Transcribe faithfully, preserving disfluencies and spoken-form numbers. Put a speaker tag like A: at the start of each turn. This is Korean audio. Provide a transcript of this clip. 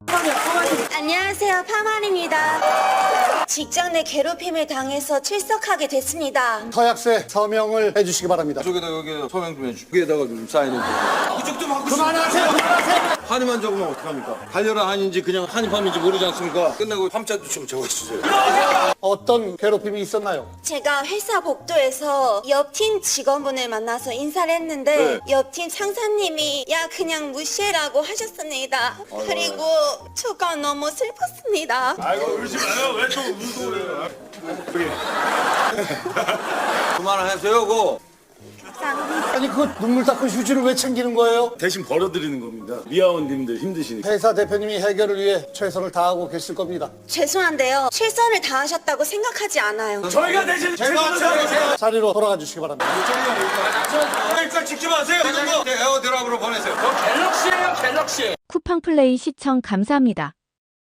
A: 안녕하세요, 파마입니다. 직장 내 괴롭힘을 당해서 출석하게 됐습니다.
B: 서약세 서명을 해주시기 바랍니다.
C: 저기다 여기 서명 좀 해주시고 여기다가 좀 사인을 좀. 그쪽 좀 하고
B: 그만하세요, 그만하세요.
C: 한이만 적으면 어떡합니까? 달려라 한인지 그냥 한입함인지 모르지 않습니까? 끝나고 함자도 좀 적어주세요.
B: 어떤 괴롭힘이 있었나요?
A: 제가 회사 복도에서 옆 팀 직원분을 만나서 인사를 했는데 옆 팀 상사님이 야 그냥 무시해라고 하셨습니다. 그리고 저가 너무 슬펐습니다.
D: 아이고 울지 마요. 왜 또 울고 그래요?
C: 그만하세요, 고.
A: 감사합니다.
B: 아니 그 눈물 닦은 휴지를 왜 챙기는 거예요?
D: 대신 벌어드리는 겁니다. 미아원님들 힘드시니까.
B: 회사 대표님이 해결을 위해 최선을 다하고 계실 겁니다.
A: 죄송한데요. 최선을 다하셨다고 생각하지 않아요.
D: 저희가 대신
C: 제가 제가
B: 자리로 돌아가 주시기 바랍니다.
C: 그러니까 직접 하세요. 이런 거 에어드랍으로 보내세요.
E: 쿠팡플레이 시청 감사합니다.